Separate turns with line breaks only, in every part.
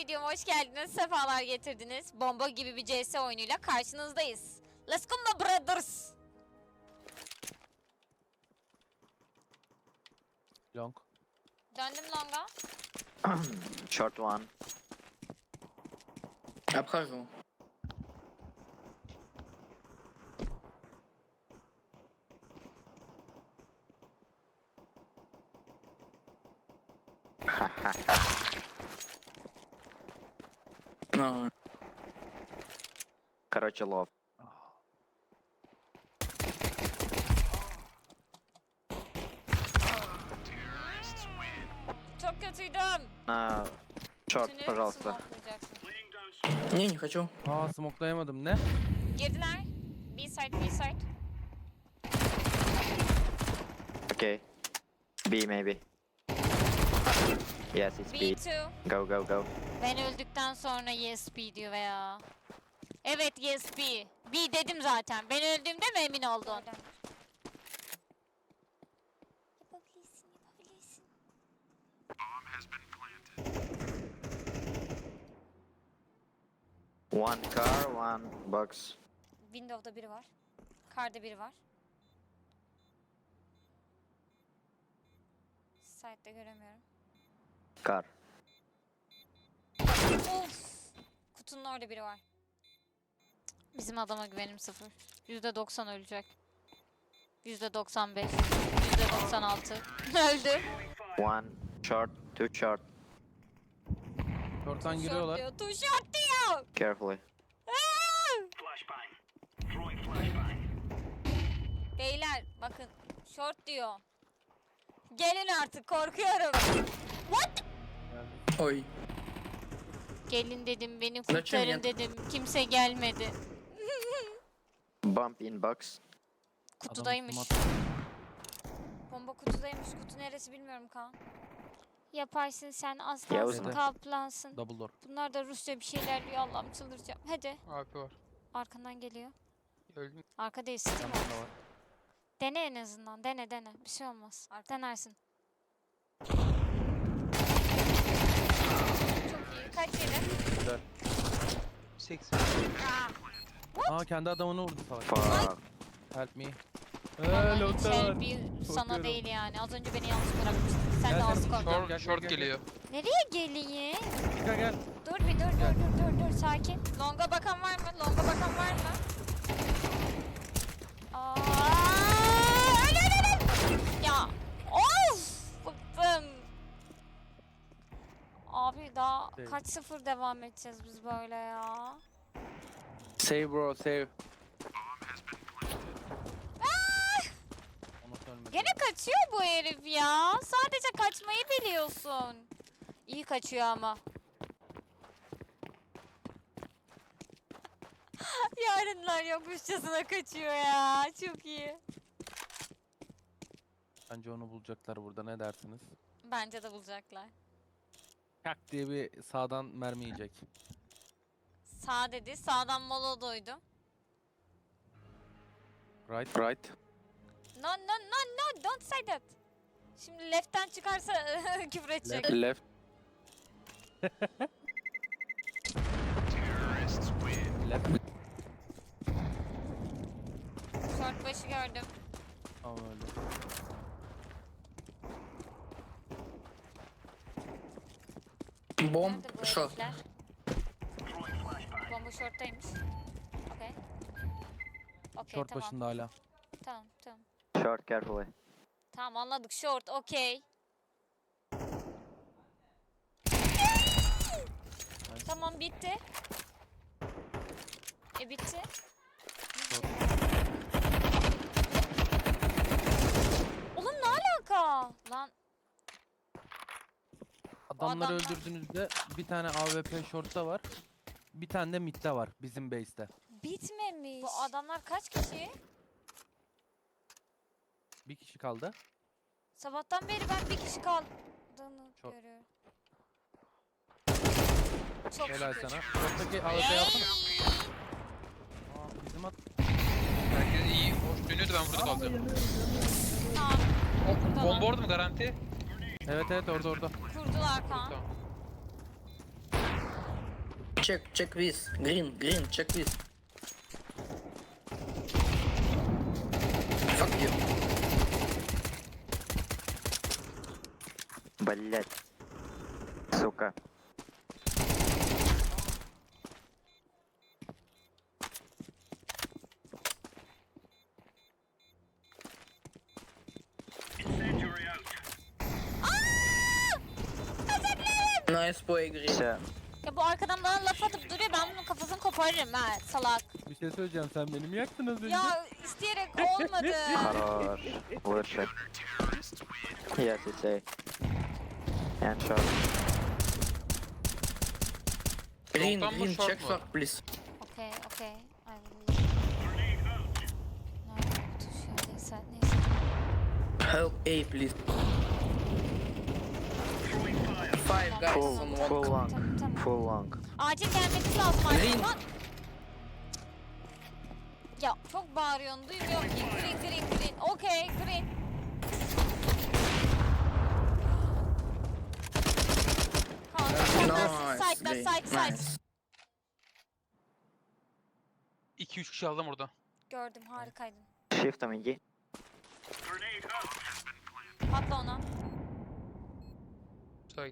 videoma hoş geldiniz. Sefalar getirdiniz. Bomba gibi bir CS oyunuyla karşınızdayız. Let's go my brothers.
Long.
Döndüm longa.
Short one.
Après, gros. Non,
Короче, лов.
Çok kötüydüm.
Short,
Tüneli
пожалуйста.
smoklayacaksın.
не, не хочу.
Aa smoklayamadım ne?
Girdiler. B-side, B-side.
Okay. B maybe. Yes, it's B.
B2.
Go, go, go.
Ben öldükten sonra yes B diyor veya. Evet yes B. B dedim zaten. Ben öldüğümde mi emin oldun? Yapabilirsin, yapabilirsin.
One car, one box.
Window'da biri var. Car'da biri var. Side'de göremiyorum.
Car.
Of! Kutunun orada biri var. Bizim adama güvenim sıfır. %90 ölecek. %95. %96. Öldü.
One short, two short.
Short'tan giriyorlar.
Diyor, too short diyor.
Carefully.
Beyler bakın short diyor. Gelin artık korkuyorum. What?
Ой.
Gelin dedim beni
Kaçın
kurtarın
ya.
dedim. Kimse gelmedi.
Bump in box.
Kutudaymış.
Adam
Bomba kutudaymış. Kutu neresi bilmiyorum Kaan. Yaparsın sen
Ya
aslansın
uzun.
kaplansın.
double door.
Bunlar da Rusça bir şeyler diyor Allah'ım çıldıracağım. Hadi.
AP var.
Arkandan geliyor.
Öldüm.
Arka değil Steam
Tamam
var.
da var.
Dene en azından dene. Bir şey olmaz. Denersin. Çok iyi. Kaç yedi?
Güzel.
80.
Aa kendi adamını vurdu salak.
Fuck.
Help me.
Vallahi
Hello
hiç
there.
bir sana
Korkuyorum.
değil yani. Az önce beni yalnız bırakmıştın. Sen
Gel
de
sen
az korktun.
Gel,
Short,
gel,
short
gel,
geliyor.
Nereye geleyim?
Gel.
Dur bir dur. Longa bakan var mı? Aa, öl. Ya of bıktım. Abi daha
Değil.
kaç sıfır devam edeceğiz biz böyle ya?
Save bro save. Onu ölmedi.
Gene kaçıyor bu herif ya. Sadece kaçmayı biliyorsun. İyi kaçıyor ama. Yarınlar yokmuşçasına kaçıyor ya. Çok iyi.
Bence onu bulacaklar burada ne dersiniz?
Bence de bulacaklar.
Kak diye bir sağdan mermi yiyecek.
Sağ dedi. Sağdan mola doydum.
Right. Right.
No. Don't say that. Şimdi left'ten çıkarsa küfür edecek.
Left. Left.
Short başı gördüm.
Tamam öyle.
Бомб,
Nerede bu
шо?
herifler? Bomba short'taymış. Okey. Okey
Short
tamam.
başında hala.
Tamam.
Short, carefully.
Tamam anladık short okey. Tamam bitti. Bitti. Oğlum ne alaka? Lan
Adamları
adamlar-
öldürdüğünüzde bir tane AWP short'ta var. Bir tane de mid'de var bizim base'te.
bitmemiş. Bu adamlar kaç kişi?
Bir kişi kaldı.
Sabahtan beri ben bir kişi kaldığını
Çok-
görüyorum. Çok
Helal
şükür.
sana. Short'taki AWP yapsana. Aa, bizim at.
Herkes iyi. Hoş dönüyordu ben burada kalacağım.
Tamam.
Bomba orada mı garanti?
Evet orada.
Kurdular Kaan.
Tamam.
Check this. Green, check this. Fuck you.
Блять. Сука.
Nice play, Green.
Все.
Ya bu arkadan bana laf atıp duruyor. Ben bunun kafasını koparırım ha salak.
Bir şey söyleyeceğim, sen beni mi yaktın az önce?
Ya isteyerek olmadı.
Хорош. Лучше. Yes, it's A. And short.
Green,
Long'dan mı,
Green,
short
check
mu?
short, please.
Okay, okay. I will. Nerede bu tuş ya? Neyse, neyse.
Help A, please. 5 guys
Full,
on
full
one.
long.
Tamam.
Full long.
Acil gelmeniz lazım
Green.
artık lan. Ya çok bağırıyorsun, duymuyorum ki. Green. Okay, green. Kanka,
Nice,
side'da,
Green.
side.
Nice.
2-3 kişi aldım orada.
Gördüm, harikaydın.
Shift'ом иди.
Patla ona.
Sait.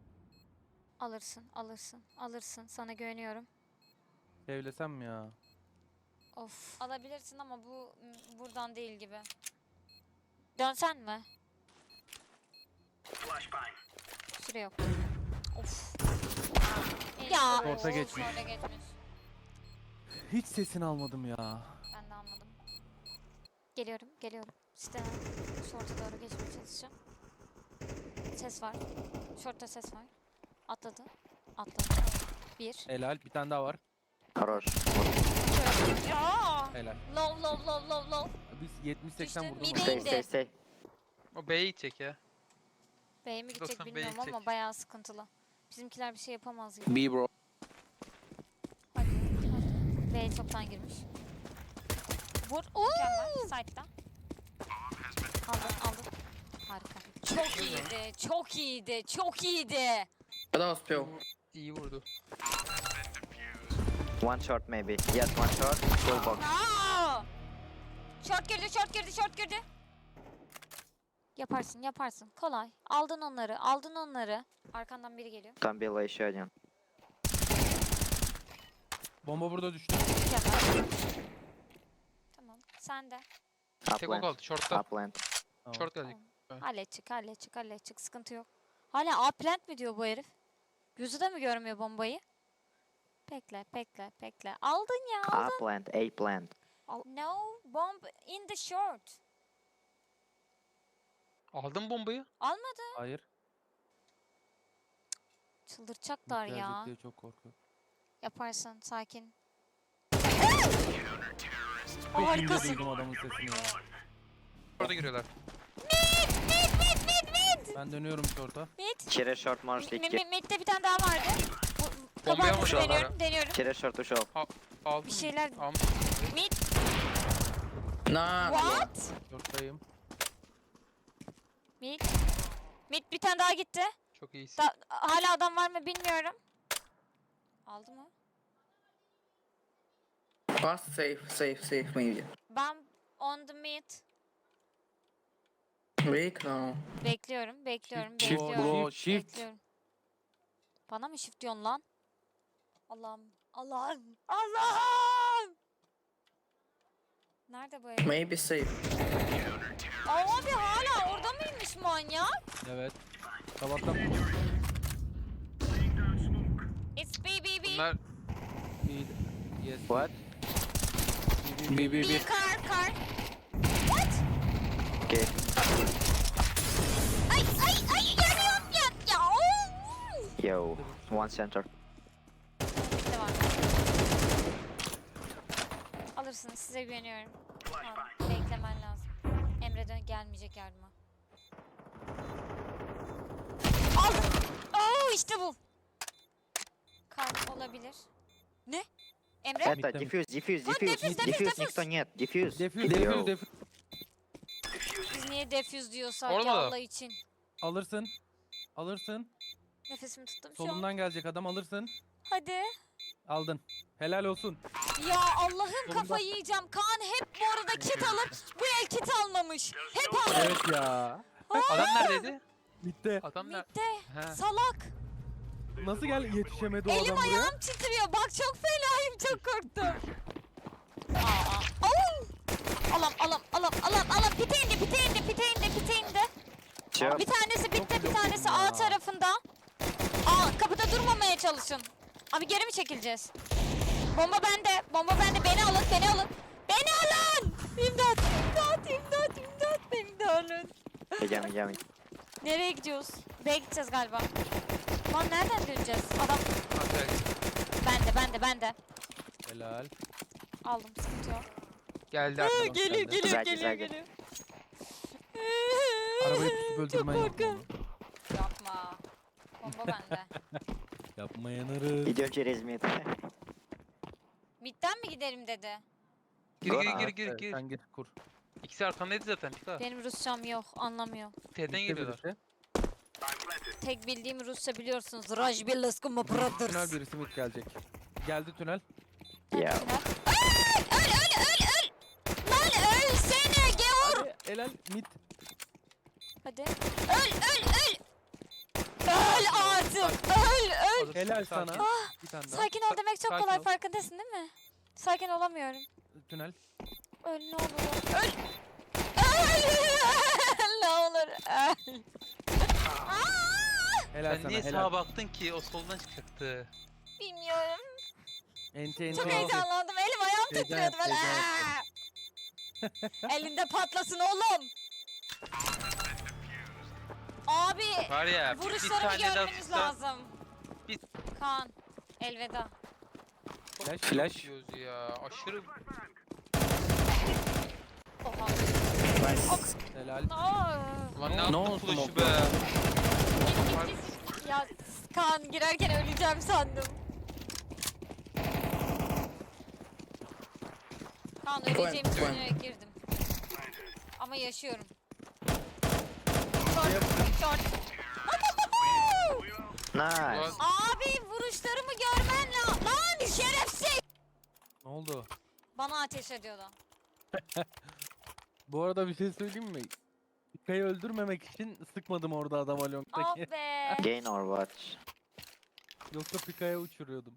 Alırsın. Sana güveniyorum.
Sevlesem mi ya?
Of. Alabilirsin ama bu buradan değil gibi. Dönsen mi? Süre yok. Of. Ya.
Orta geçmiş.
Orta geçmiş.
Hiç sesini almadım ya.
Ben de anladım. Geliyorum. Siteden short'a doğru geçmeye çalışacağım. Ses var. Short'ta ses var. Atladı. Bir.
Helal, bir tane daha var.
Хорош.
Şöyle. Ya.
Helal.
Low.
Biz 70-80
Düştü,
vurdum.
mide
Stay,
indi.
stay, stay.
O B'ye gidecek ya.
B'ye mi gidecek
90 B'ye
bilmiyorum
gidecek.
ama bayağı sıkıntılı. Bizimkiler bir şey yapamaz gibi.
B, bro.
Hadi. B'ye çoktan girmiş. Vur. Mükemmel. Side'da. Aldın. Harika. Çok iyiydi.
Когда успел?
İyi vurdu.
One short maybe. Yes, one short. Full box.
Aa! Short girdi. Yaparsın. Kolay. Aldın onları. Arkandan biri geliyor.
Там было еще один.
Bomba burada düştü.
Mükemmel. Tamam. Sen de.
Tek o
Upland.
kaldı. Short'ta.
Upland.
Tamam.
Short gelecek.
Halledecek. Sıkıntı yok. Hala A plant mi diyor bu herif? Gözü de mi görmüyor bombayı? Bekle. Aldın ya.
Upland. A plant.
No bomb in the short.
Aldın bombayı.
Almadı.
Hayır.
Çıldıracaklar
Gelecek
ya.
diye çok korkuyorum.
Yaparsın sakin.
Harikasın. Duydum adamın sesini ya.
Orada giriyorlar.
Mid.
Ben dönüyorum short'a.
Через short можешь идти.
Mid'de bir tane daha vardı.
Bombayı
Kabartmış
almışlar
deniyorum.
Через short ушел.
Aldın
Bir
mı?
şeyler.
Almış.
Mid.
На,
What?
Short'tayım.
Mid bir tane daha gitti.
Çok iyisin.
Hala adam var mı bilmiyorum. Aldı mı?
Pass, safe, maybe.
Ben on the mid.
Break, no.
Bekliyorum.
Shift bro, shift.
Bekliyorum. Bana mı shift diyorsun lan? Allah'ım. Nerede bu herif?
Maybe safe.
Abi hala orada mıymış manyak?
Evet. Sabahtan
It's B.
Bunlar
Yes.
What?
Bir.
B car. What?
Okay.
Ay yanıyorum ya.
Yo. One center.
Bitti var. Alırsınız size güveniyorum. Tamam, beklemen lazım. Emre gelmeyecek yardıma. Aldım. Oo işte bu. Kart olabilir. Ne? Emre?
Это
Мид,
дефьюз.
defuse.
Дефьюз никто нет. Дефьюз.
Defuse.
Biz niye defuse diyorsak
Olmadı.
ya Allah için.
Alırsın.
Nefesimi tuttum şu an.
Solumdan gelecek adam, alırsın.
Hadi.
Aldın. Helal olsun.
Ya Allah'ım
Sonunda.
kafayı yiyeceğim. Kaan hep bu arada kit alıp bu el kit almamış. Hep alır.
Evet ya.
Adam neredeydi?
Bitti.
Adam nerede?
Bitti.
He.
Salak.
Nasıl yetişemedi o
Elim
adam buraya?
ayağım titriyor. Bak çok fenayım. Çok korktum. Aa. Au! Alam. Pite indi.
Sure.
Bir tanesi bitti,
Çok
bir tanesi
yokum
A
ya.
tarafında. Aa, kapıda durmamaya çalışın. Abi geri mi çekileceğiz? Bomba bende. Beni alın. Beni alın! İmdat. Beni de alın.
Yummy.
Nereye gidiyoruz? B'ye gideceğiz galiba. Lan nereden döneceğiz? Adam
Aferin.
bende.
Helal.
Aldım, sıkıntı yok.
Geldi arkadan.
Geliyor.
Güzel.
Arabayı tutup öldürmen yok.
korkuyorum. Yapma. Bomba bende.
Yapma yanarız.
Gidiyor çerez mid.
Midden mi gidelim dedi.
Gir.
Evet, sen gir kur.
İkisi arkandaydı zaten. Pika.
Benim Rusçam yok, anlamıyorum.
T'den
Bitti
geliyorlar.
birisi.
Tek bildiğim Rusça biliyorsunuz. Rajbelaskuma
Tünel
Brothers.
birisi mid gelecek. Geldi tünel.
Ya.
Öl! Lan ölsene gavur!
Hadi helal mid.
Hadi. Öl! Öl artık! Öl!
Helal
Sakin.
sana. Bir tane daha.
Sakin ol demek çok
Sakin
kolay,
ol.
farkındasın değil mi? Sakin olamıyorum.
Tünel.
Öl ne olur. Öl! Ne olur öl.
Helal
Sen
sana
niye
helal.
sağa baktın ki? O soldan çıkacaktı.
Bilmiyorum.
Enti.
Çok heyecanlandım. Elim ayağım
Heyecan
titriyordu böyle.
yaptı,
Elinde patlasın oğlum. Abi
Var ya. bir
vuruşlarımı
tane daha
görmeniz
tutsa
lazım.
Bir-
Kaan elveda.
Flash.
Diyoruz ya. Aşırı.
Oha.
Helal.
Aa.
Lan ne
Ne
yaptın
olsun
flash'ı
o
be?
Ya Kaan girerken öleceğim sandım. Kaan öleceğimi
Gwen.
düşünerek girdim. Ama yaşıyorum.
Yap.
Short.
Nice.
Abi vuruşlarımı görmen lazım. Lan şerefsiz.
Ne oldu?
Bana ateş ediyordu.
Bu arada bir şey söyleyeyim mi? Pika'yı öldürmemek için sıkmadım orada adama
Ah
long'daki.
be.
Gain or what?
Yoksa Pika'ya uçuruyordum.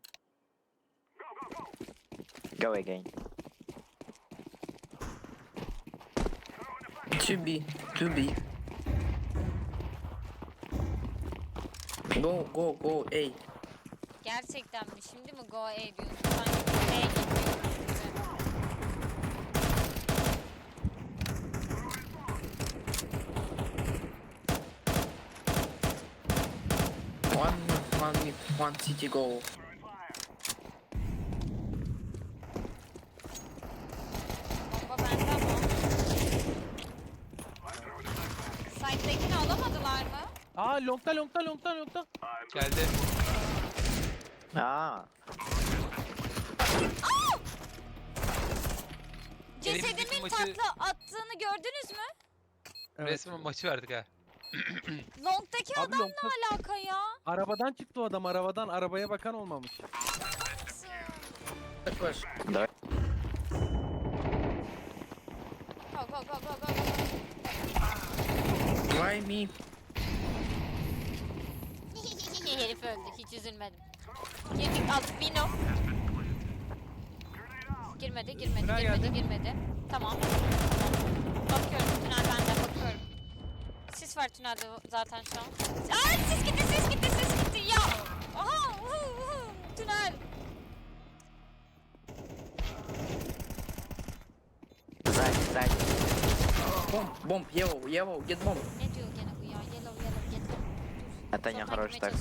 Go again.
2B. Go A.
Gerçekten mi? Şimdi mi go A diyorsun? Ben B'ye gidiyorum.
One city go.
Bomba bende ama. Side'dekini alamadılar mı?
Aa longta.
Geldi.
Aa.
Elimizdeki
Cesedimin
maçı-
takla attığını gördünüz mü?
Evet.
Resmen maçı verdik ha.
Long'daki
Abi
adam
longta
ne alaka ya?
arabadan çıktı o adam arabadan. Arabaya bakan olmamış.
Push.
No.
Go.
Why me?
Herif öldü, hiç üzülmedim. Girdik alt Bino. Girmedi. Tamam. Bakıyorum, tünel bende, bakıyorum. Sis var tünelde zaten şu an. Aa, sis gitti ya. Aha, tünel.
Side.
Bomb. Yellow. Get bomb.
Ne diyor gene bu ya? Yellow, get them.
Это не хороший так.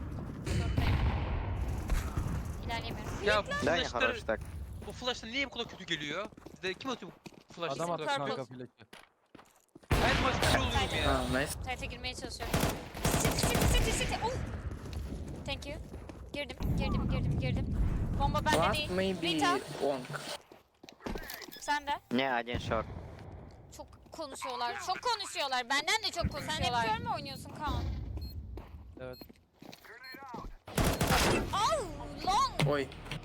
İlerleyemiyorum.
Ya bu
Да, не хороший
flash'lar,
так.
bu flash'lar niye bu kadar kötü geliyor? Bizde kim atıyor bu flash'ı?
Adam
bu
attı
kadar
purple.
kanka
kötü?
flash'ı.
Her maç bir şey oluyorum ya.
Ah, nice.
Site'e girmeye çalışıyorum. City. Oh. Thank you. Girdim. Bomba bende
Last
değil.
maybe
Rita,
long.
sen de.
Не, один short.
Çok konuşuyorlar. Benden de çok konuşuyorlar. Sen hep mi oynuyorsun Kaan?
Evet.
Au, long.
Oi.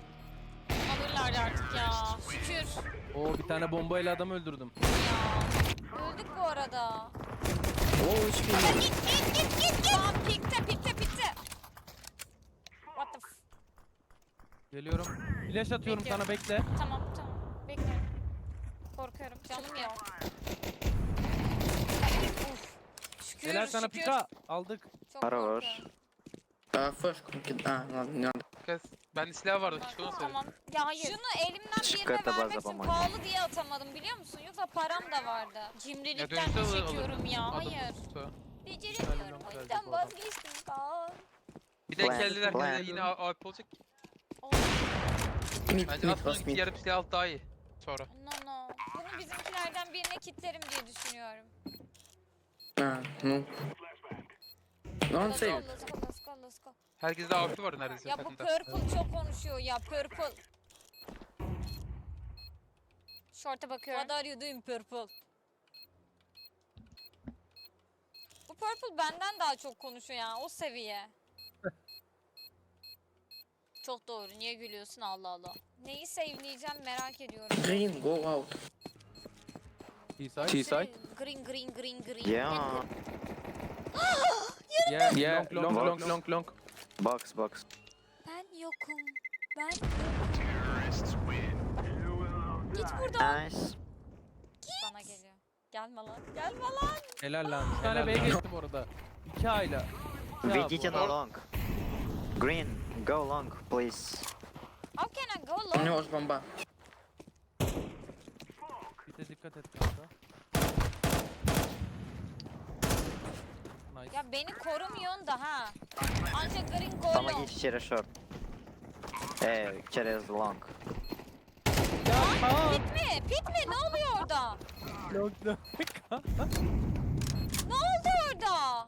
bari artık ya. Şükür.
Oo bir tane bombayla adam öldürdüm.
Ya. Öldük bu arada.
Oh, HP.
Ya git. Tamam pikte. What the f...
Geliyorum. Flash atıyorum
Bekliyorum.
sana bekle.
Tamam. Bekliyorum. Korkuyorum. Canım yok. Uf. Şükür.
Helal sana
şükür.
pika. Aldık.
Çok
Хорош.
korkuyorum.
Флешку кидать. Ладно, не надо.
Kız. Bende silah vardı. Keşke onu
Tamam. Ya hayır. Şunu elimden
Şıkkı
birine
ata
vermek
baza
için
bana.
pahalı diye atamadım biliyor musun? Yoksa param da vardı. Cimrilikten
dönüşte
de
alırım.
çekiyorum ya.
Adım
Hayır.
tuttu.
Beceremiyorum. O yüzden vazgeçtim Kaan.
Bir de
Plan,
geldiler
plan.
yine AP olacak.
Mid,
Bence
mid,
aslında
last mid.
yarım silah alt daha iyi. Sonra.
No. Bunu bizimkilerden birine kitlerim diye düşünüyorum.
Ну. Ну, он сейвит.
Let's go.
Herkeste AP var neredeyse.
Ya bu
takımda.
Purple çok konuşuyor ya. Purple. Short'a bakıyorum. What are you doing Purple? Bu Purple benden daha çok konuşuyor ya. O seviye. Çok doğru. Niye gülüyorsun Allah Allah. Neyi save'leyeceğim merak ediyorum.
Green, go out.
T-side.
Green.
Yeah.
Yeah. Long.
Box.
Ben yokum. Git buradan.
Nice.
Bana geliyor. Gelme lan.
Helal lan. Bir tane B'ye geçti bu arada. 2 ayla.
Ведите на long. Green, go long, please.
How can I go
У
long?
него же бомба.
Bir de dikkat et kanka. Nice.
Ya beni korumuyorsun da ha. Ancak green go long.
Помогите через short. Через long.
Pit mi? Ne oluyor orada?
Long.
Ne oldu orada?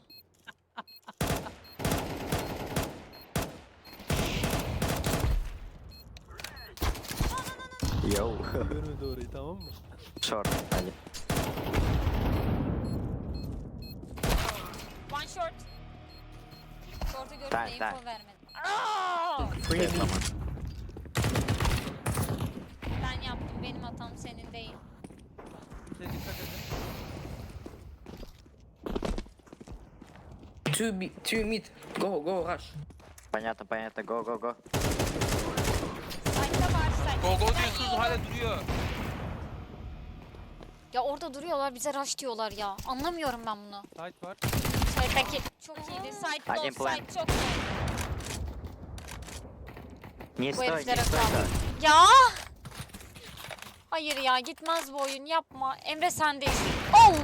Yo.
Görmedi orayı tamam mı?
Short. Hadi.
One short. Short'u görüp
Tak,
de info
tak.
vermedim. Aa!
Yes, tamam.
Ben yaptım. Benim hatam senin değil.
Bir de dikkat edin.
Two mid. Go, rush.
Понятно. Go.
Side'da var side.
Go
Ben
diyorsunuz
yiyorum.
hala duruyor.
Ya orada duruyorlar bize rush diyorlar ya. Anlamıyorum ben bunu.
Side var.
Side'daki çok iyiydi. Side
Один
low,
plan.
side çok low.
Не
Bu
стой, не
heriflere
стой.
kaldı. Ya! Hayır ya gitmez bu oyun yapma. Emre sendeyiz. Oh!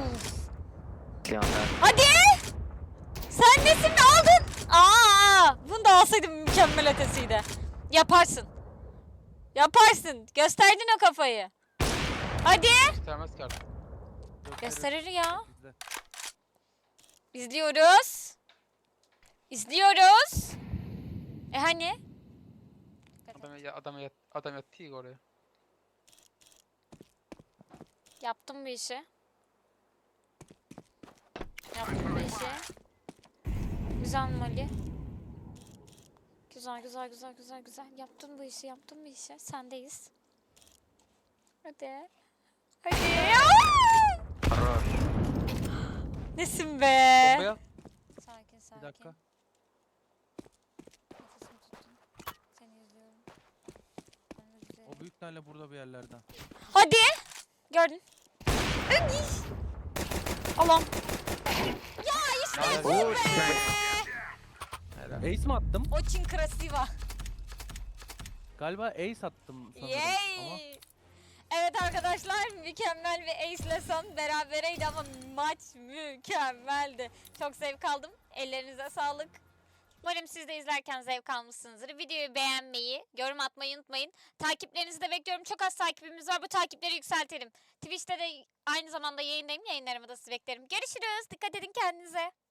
Hadi! Sen nesin aldın? Bunu da alsaydım mükemmel ötesiydi. Yaparsın. Gösterdin o kafayı. Hadi!
Göstermez ki artık.
Gösterir ya.
İzle.
İzliyoruz. Hani?
Adam yattı ya oraya.
Yaptım bir işi. Güzel Mali. Güzel. Yaptın bu işi. Sendeyiz. Hadi.
Хорош.
Nesin be?
Bombaya.
Sakin.
Bir dakika.
Nefesimi tuttum. Seni izliyorum. Ölmek üzereyim.
O büyük ihtimalle burada bir yerlerden.
Hadi. Gördün. Allah'ım. Ya işte
Nice.
bu be.
Helal. Ace mi attım?
Очень красиво.
Galiba ace attım sanırım. Ama
Yay. Evet arkadaşlar mükemmel bir ace son berabereydi ama maç mükemmeldi. Çok zevk aldım. Ellerinize sağlık. Umarım siz de izlerken zevk almışsınızdır. Videoyu beğenmeyi, yorum atmayı unutmayın. Takiplerinizi de bekliyorum. Çok az takipimiz var. Bu takipleri yükseltelim. Twitch'te de aynı zamanda yayındayım. Yayınlarımı da sizi beklerim. Görüşürüz. Dikkat edin kendinize.